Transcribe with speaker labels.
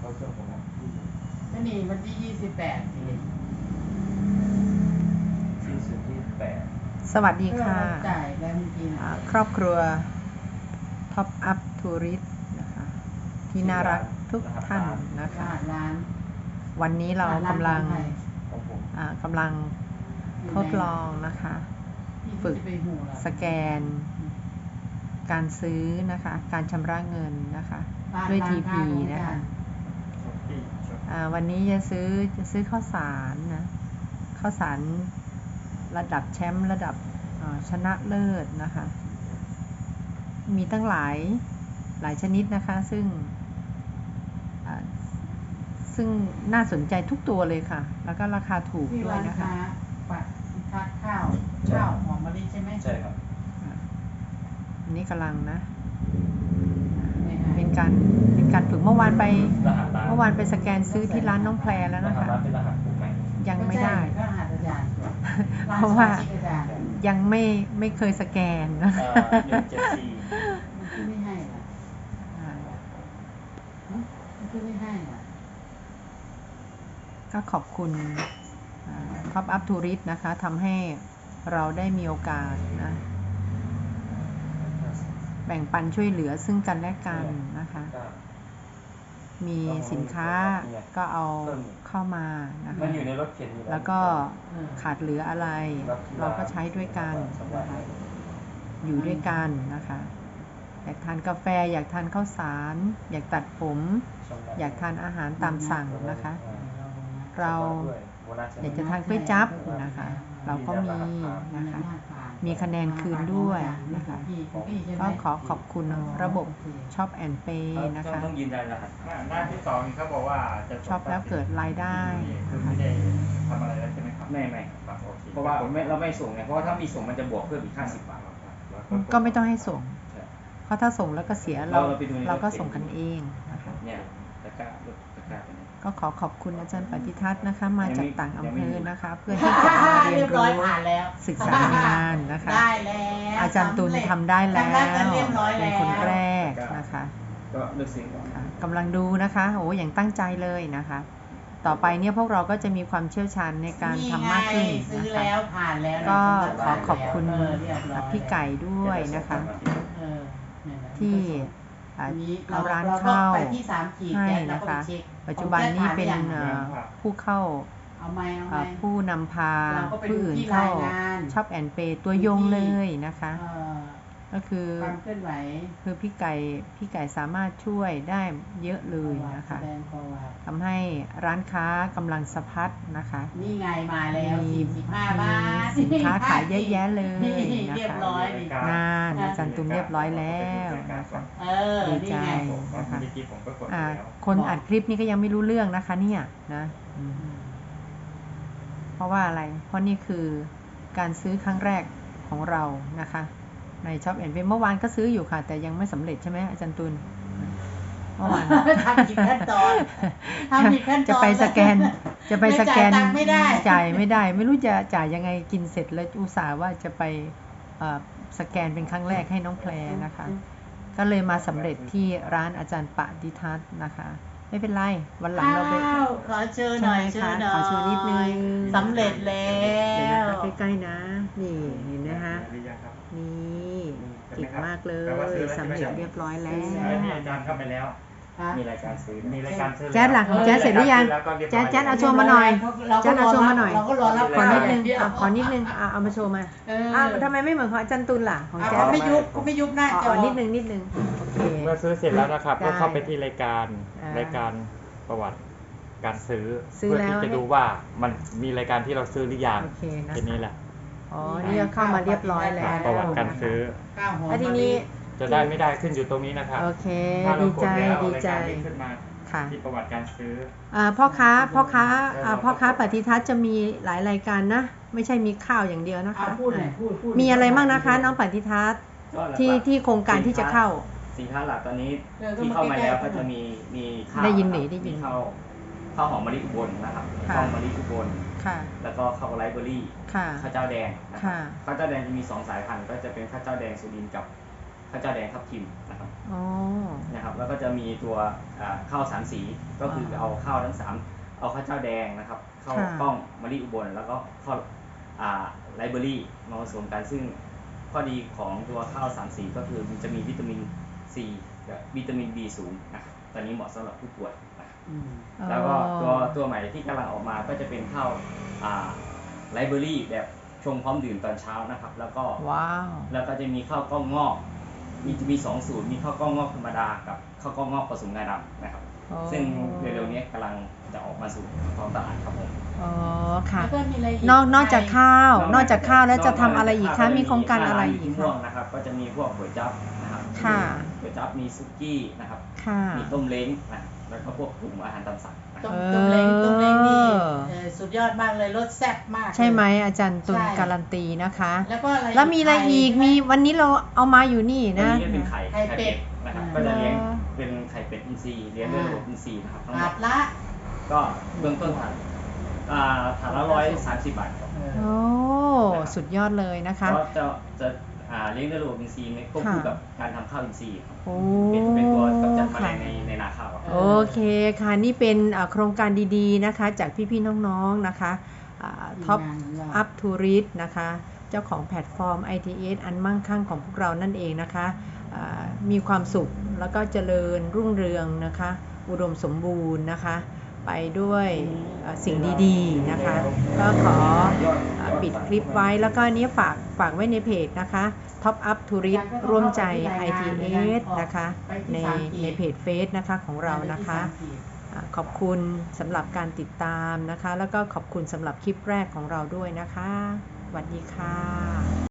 Speaker 1: เขาเชื่อผมนะ
Speaker 2: ก็นี่วันที่28ที
Speaker 1: 28
Speaker 3: สวัสดีค่ะ
Speaker 2: จ่ายแล้วจริง
Speaker 3: ครอบครัวท็อปอัพทัวริสต์นะคะที่น่ารักทุกท่านนะคะวันนี้เรากำลังทดลองนะคะฝึกสแกนการซื้อนะคะการชำระเงินนะคะด้วย TP นะคะวันนี้จะซื้อข้าวสารนะข้าวสารระดับแชมป์ระดับชนะเลิศนะคะมีตั้งหลายชนิดนะคะซึ่งน่าสนใจทุกตัวเลยค่ะแล้วก็ราคาถูกด้วยนะคะ
Speaker 2: ปัดทัดข้าวหอมมะลิใช่ไหม
Speaker 1: ใช่ครับ
Speaker 3: อันนี้กำลังนะเป็นการฝึกเมื่อวานไปสแกนซื้อที่ร้านน้องแพรแล้วนะคะยังไม่ได้เพราะว่ายังไม่เคยสแกนนะ
Speaker 2: ไม่ให้ล่ะไม่ให้ล่ะ
Speaker 3: ก็ขอบคุณท็อปอัพทัวริสต์นะคะทำให้เราได้มีโอกาสนะแบ่งปันช่วยเหลือซึ่งกันและกันนะคะมีสินค้าก็เอาเข้ามานะคะแล้วก็ขาดเหลืออะไรเราก็ใช้ด้วยกันนะคะอยู่ด้วยกันนะคะอยากทานกาแฟอยากทานข้าวสารอยากตัดผมอยากทานอาหารตามสั่งนะคะเราอยากจะทานก๋วยจั๊บนะคะเราก็มีนะคะมีคะแนนคืนด้วยนะคะก็ขอขอบคุณระบบช็อปแอนด์เปย์นะคะ
Speaker 1: ต้องยืนยันรหัสหน้าที่2เขาบอกว่าจะ
Speaker 3: ช็อปแล้วเกิดรายได้
Speaker 1: ไม่ได้ทำอะไรแล้วใช่ไหมครับไม่เพราะว่าเราไม่ส่งไงเพราะว่าถ้ามีส่งมันจะบวกเพิ่มอีก50 บาท
Speaker 3: ก็ไม่ต้องให้ส่งเพราะถ้าส่งแล้วก็เสียเราก็ส่งกันเองนะคะ
Speaker 1: เนี่ยตะกร้า
Speaker 3: ก็ขอบคุณอาจารย์ปฏิทัศน์นะคะมาจากต่างอำเภอนะคะเพื่อที่จะมาเรียนรู้ศึกษางานนะคะอาจารย์ตุลทำได้แล้วเป็นคนแรกนะคะ
Speaker 1: ก็เลือกสิ่ง
Speaker 3: กำลังดูนะคะโอ้อย่างตั้งใจเลยนะคะต่อไปเนี่ยพวกเราก็จะมีความเชี่ยวชาญในการทำมากขึ้นนะคะก็ขอบคุณพี่ไก่ด้วยนะคะที่เอาร้านเข้าให้นะคะปัจจุบันนี้เป็นผู้เข้าผู้นำพาผู้อื่นเข้าช็อปแอนด์เปย์ตัวยงเลยนะคะก็คือพี่ไก่สามารถช่วยได้เยอะเลยนะคะทำให้ร้านค้ากำลังสะพัดนะคะ
Speaker 2: นี่ไงมาแล้ว45 บาท
Speaker 3: สินค้าขายเยอะแยะเลยนะคะงานอาจารย์ตุ้มเรียบร้อยแล้วนะคะดีใจนะคะคนอัดคลิปนี้ก็ยังไม่รู้เรื่องนะคะเนี่ยนะเพราะว่าอะไรเพราะนี่คือการซื้อครั้งแรกของเรานะคะในช็อปแอนด์เปย์เมื่อวานก็ซื้ออยู่ค่ะแต่ยังไม่สำเร็จใช่ไหมอาจารย์ตุลเมื่อวาน
Speaker 2: ทำผิดขั้นตอน
Speaker 3: จะไปสแกนจ่ายไม่ได้ไม่รู้จะจ่ายยังไงกินเสร็จแล้วอุตส่าห์ว่าจะไปสแกนเป็นครั้งแรกให้น้องแพรนะคะก็เลยมาสำเร็จที่ร้านอาจารย์ปฏิทัศน์นะคะไม่เป็นไรวันหลังเราไป
Speaker 2: ขอเชิญหน่อย
Speaker 3: ขอโชว์นิดนึง
Speaker 2: สำเร็จแล้ว
Speaker 3: ใกล้ๆนะนี่เห็นนะคะนี่เก่งมากเลยสำเร็จเรียบร้อยแล้ว
Speaker 1: นี่อาจารย์เข้าไปแล้วมีรายการซื้อ
Speaker 3: แจ๊ดหลังของแจ๊ดเสร็จหรือยังแจ๊ดเอาโชว์มาหน่อยแจ๊ดเอาโชว์มาหน่อยขอนิดนึงเอามาโชว์มาทำไมไม่เหมือนของอาจารย์ตุลล่ะของแจ๊ด
Speaker 2: ไม่ยุบหน้าจอ
Speaker 3: นิดนึงโอเค
Speaker 1: เมื่อซื้อเสร็จแล้วนะครับก็เข้าไปที่รายการประวัติการซื้อเพื่อที่จะดูว่ามันมีรายการที่เราซื้อหรือยังทีนี้แหละ
Speaker 3: นี่เข้ามาเรียบร้อยแล้ว
Speaker 1: ประวัติการซื้อ
Speaker 3: แล้วทีนี้
Speaker 1: จะได้ไม่ได้ขึ้นอยู่ตรงนี้นะครับ
Speaker 3: โอเคดีใจ
Speaker 1: ขึ้นมาที่ประวัติการซื้อ
Speaker 3: พ่อค้าปฏิทัศน์จะมีหลายรายการนะไม่ใช่มีข้าวอย่างเดียวนะคะมีอะไรบ้างนะคะน้องปฏิทัศน์ที่โครงการที่จะเข้า
Speaker 1: สินค้าหลักตอนนี้ที่เข้ามาแล้วก็จะมีข้าว
Speaker 3: ได้ยิน
Speaker 1: ข้าวหอมมะลิอุบลนะครับข้าวมะลิอุบลแล้วก็ข้าวไรซ์เบอร์รี่ข้าวเจ้าแดงข้าวเจ้าแดงจะมี2 สายพันธุ์ก็จะเป็นข้าวเจ้าแดงสุรินทร์กับข้าว
Speaker 4: าวเจ้าแดงทับทิมนะครับ
Speaker 3: อ๋อ
Speaker 4: นะครับแล้วก็จะมีตัวข้าวสามสีก็คือเอาข้าวทั้ง3เอาข้าวเจ้าแดงนะครับข้าวกล้องมะลิอุบลแล้วก็ข้าวไลเบอรี่มาผสมกันซึ่งข้อดีของตัวข้าว3สีก็คือมันจะมีวิตามินซีกับวิตามิน B สูงนะครับตอนนี้เหมาะสำหรับผู้ป่วยนะครับแล้วก็ตัวใหม่ที่กำลังออกมาก็จะเป็นข้าวไลเบอรี่แบบชงพร้อมดื่มตอนเช้านะครับแล้วก็แล้วก็จะมีข้าวกล้องงอกมี2 สูตรมีข้าวกล้องงอกธรรมดากับข้าวกล้องงอกผสมงาดำนะครับซึ่งเร็วๆนี้กำลังจะออกมาสู่ท้องตลาดครับผม
Speaker 3: อ๋อค่ะ
Speaker 2: แล้วก็มีอะไรอีก
Speaker 3: นอกจากข้าวแล้วจะทำอะไรอีกคะมีโครงการอะไรอีก
Speaker 4: คะนะครับก็จะมีพวกก๋วยจั๊บนะครับ
Speaker 3: ค่ะ
Speaker 4: ก๋วยจั๊บมีซุกี้นะครับมีต้มเล้งนะแล้วก็พวกกลุ่มอาหารตามสั่ง
Speaker 2: ต้มเล้งนี่สุดยอดมากเลยรสแซ่บมาก
Speaker 3: ใช่ไหมอาจารย์ตุลการันตีนะคะ
Speaker 2: แล้ว
Speaker 3: มีอะไรอีกมีวันนี้เราเอามาอยู่นี่นะ
Speaker 4: วันนี้เป็นไข่เป็ดนะครับก็จะเลี้ยงเป็นไข่เป็ดอินทรีย์เลี้ยงด้วยระบบอินทรีย์นะครับทั้งหมด
Speaker 2: ละ
Speaker 4: ก็เบื้องต้นถาดละ130 บาทครับ
Speaker 3: โอ้สุดยอดเลยนะคะ
Speaker 4: ก็จะเลี้ยงด้วยระบบอินทรีย์ควบคู่กับการทำข้าวอินทรีย์ครับเป็นตัวกำจัดแมลงในนาข้าว
Speaker 3: โอเคค่ะนี่เป็นโครงการดีๆนะคะจากพี่ๆน้องๆนะคะท็อปอัพทัวริสต์นะคะเจ้าของแพลตฟอร์ม ITS อันมั่งคั่งของพวกเรานั่นเองนะคะมีความสุขแล้วก็เจริญรุ่งเรืองนะคะอุดมสมบูรณ์นะคะไปด้วยสิ่งดีๆนะคะก็ขอปิดคลิปไว้แล้วก็นี้ฝากไว้ในเพจนะคะ Top Up Tourist ร่วมใจ ITS นะคะในเพจเฟซนะคะของเรานะคะขอบคุณสำหรับการติดตามนะคะแล้วก็ขอบคุณสำหรับคลิปแรกของเราด้วยนะคะสวัสดีค่ะ